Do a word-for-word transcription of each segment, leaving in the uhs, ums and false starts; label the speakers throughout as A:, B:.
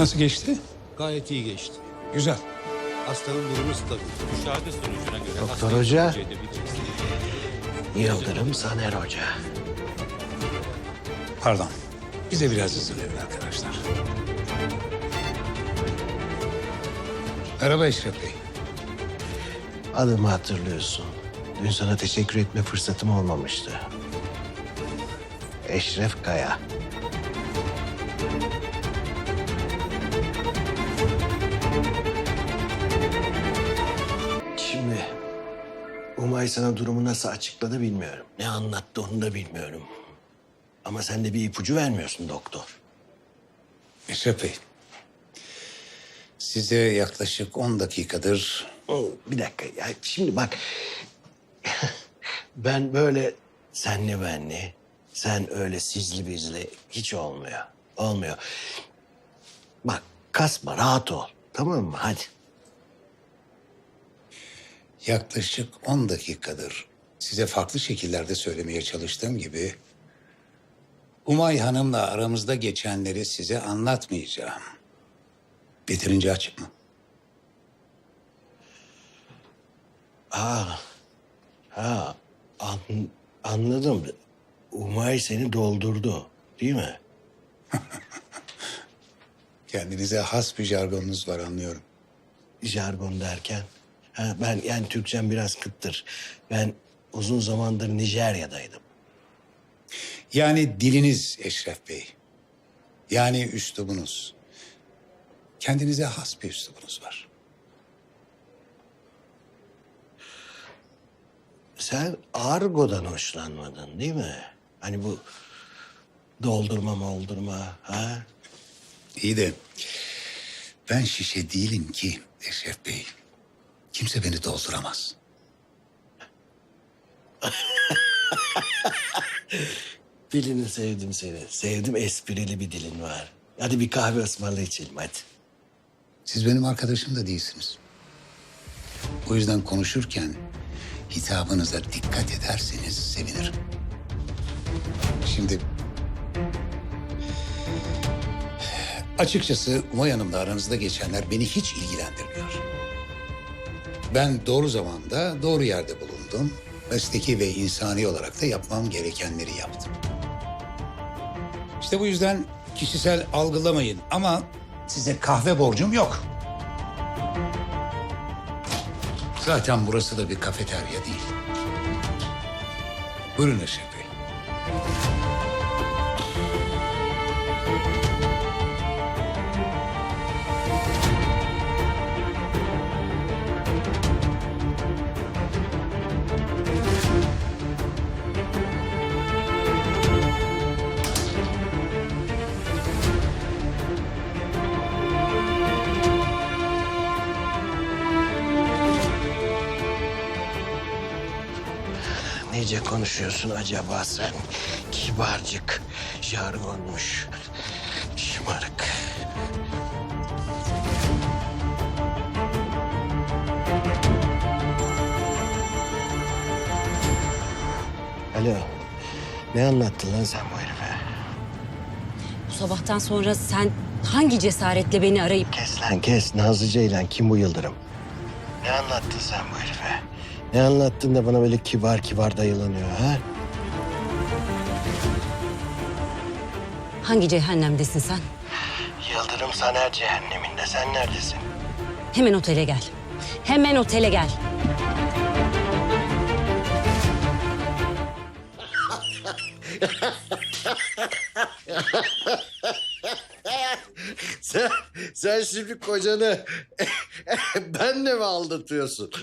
A: Nasıl geçti?
B: Gayet iyi geçti.
A: Güzel.
B: Hastanın durumu stabil.
C: Müşahede sonucuna göre
D: Doktor
C: hastayı
D: Hoca.
C: tercih edebiliriz.
D: Yıldırım Saner Hoca.
A: Pardon. Bize biraz hızlı verin arkadaşlar. Merhaba Eşref Bey.
D: Adımı hatırlıyorsun. Dün sana teşekkür etme fırsatım olmamıştı. Eşref Kaya. Şimdi Umay sana durumu nasıl açıkladı bilmiyorum. Ne anlattı onu da bilmiyorum. Ama sen de bir ipucu vermiyorsun doktor.
A: Eşref Bey. Size yaklaşık on dakikadır...
D: Oo, bir dakika ya şimdi bak. Ben böyle senli benli, sen öyle sizli bizli hiç olmuyor. Olmuyor. Bak kasma rahat ol. Tamam mı? Hadi.
A: Yaklaşık on dakikadır size farklı şekillerde söylemeye çalıştığım gibi... Umay Hanım'la aramızda geçenleri size anlatmayacağım. Yeterince açık mı?
D: Aa, ha, an, anladım. Umay seni doldurdu değil mi?
A: Kendinize has bir jargonunuz var anlıyorum.
D: Jargon derken. Ha, ben yani Türkçem biraz kıttır. Ben uzun zamandır Nijerya'daydım.
A: Yani diliniz Eşref Bey. Yani üslubunuz. Kendinize has bir üslubunuz var.
D: Sen argodan hoşlanmadın değil mi? Hani bu doldurma moldurma ha?
A: İyi de ben şişe değilim ki Eşref Bey. Kimse beni dolduramaz.
D: Dilini sevdim seni. Sevdim esprili bir dilin var. Hadi bir kahve ısmarla içelim hadi.
A: Siz benim arkadaşım da değilsiniz. O yüzden konuşurken hitabınıza dikkat ederseniz sevinirim. Şimdi... Açıkçası Umay Hanım'la aranızda geçenler beni hiç ilgilendirmiyor. Ben doğru zamanda doğru yerde bulundum. Mesleki ve insani olarak da yapmam gerekenleri yaptım. İşte bu yüzden kişisel algılamayın ama size kahve borcum yok. Zaten burası da bir kafeterya değil. Buyurun Eşref Bey.
D: Nece konuşuyorsun acaba sen? Kibarcık, jargonmuş, şımarık. Alo, ne anlattın lan sen bu herife?
E: Bu sabahtan sonra sen hangi cesaretle beni arayıp...
D: Kes lan kes, Nazlı Ceylan kim bu Yıldırım? Ne anlattın sen bu herife? Ne anlattın da bana böyle kibar kibar dayılanıyor ha?
E: Hangi cehennemdesin sen?
D: Yıldırım Saner cehenneminde, sen neredesin?
E: Hemen otele gel. Hemen otele gel.
D: Sen, sen şimdi kocanı benle mi aldatıyorsun?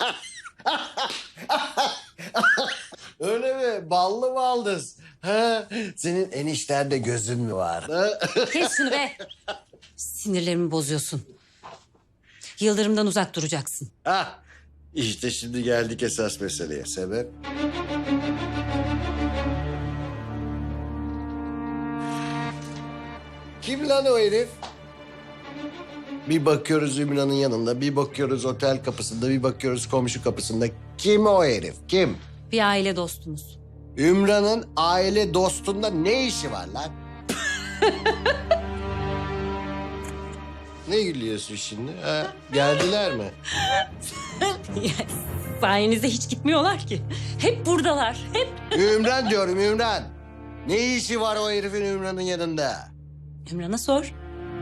D: Öyle mi? Ballı baldız. Ha? Senin enişterde gözün mü var? Ha?
E: Kes şunu be. Sinirlerimi bozuyorsun. Yıldırım'dan uzak duracaksın.
D: Ha? İşte şimdi geldik esas meseleye. Sebep? Kim lan o herif? Bir bakıyoruz Ümran'ın yanında, bir bakıyoruz otel kapısında, bir bakıyoruz komşu kapısında. Kim o herif? Kim?
E: Bir aile dostumuz.
D: Ümran'ın aile dostunda ne işi var lan? Ne gülüyorsun şimdi? Ha? Geldiler mi?
E: Sayenizde hiç gitmiyorlar ki. Hep buradalar, hep.
D: Ümran diyorum Ümran. Ne işi var o herifin Ümran'ın yanında?
E: Ümran'a sor.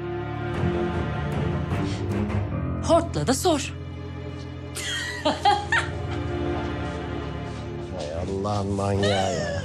E: Hort'la da sor.
D: Hay Allah'ın manyağı ya.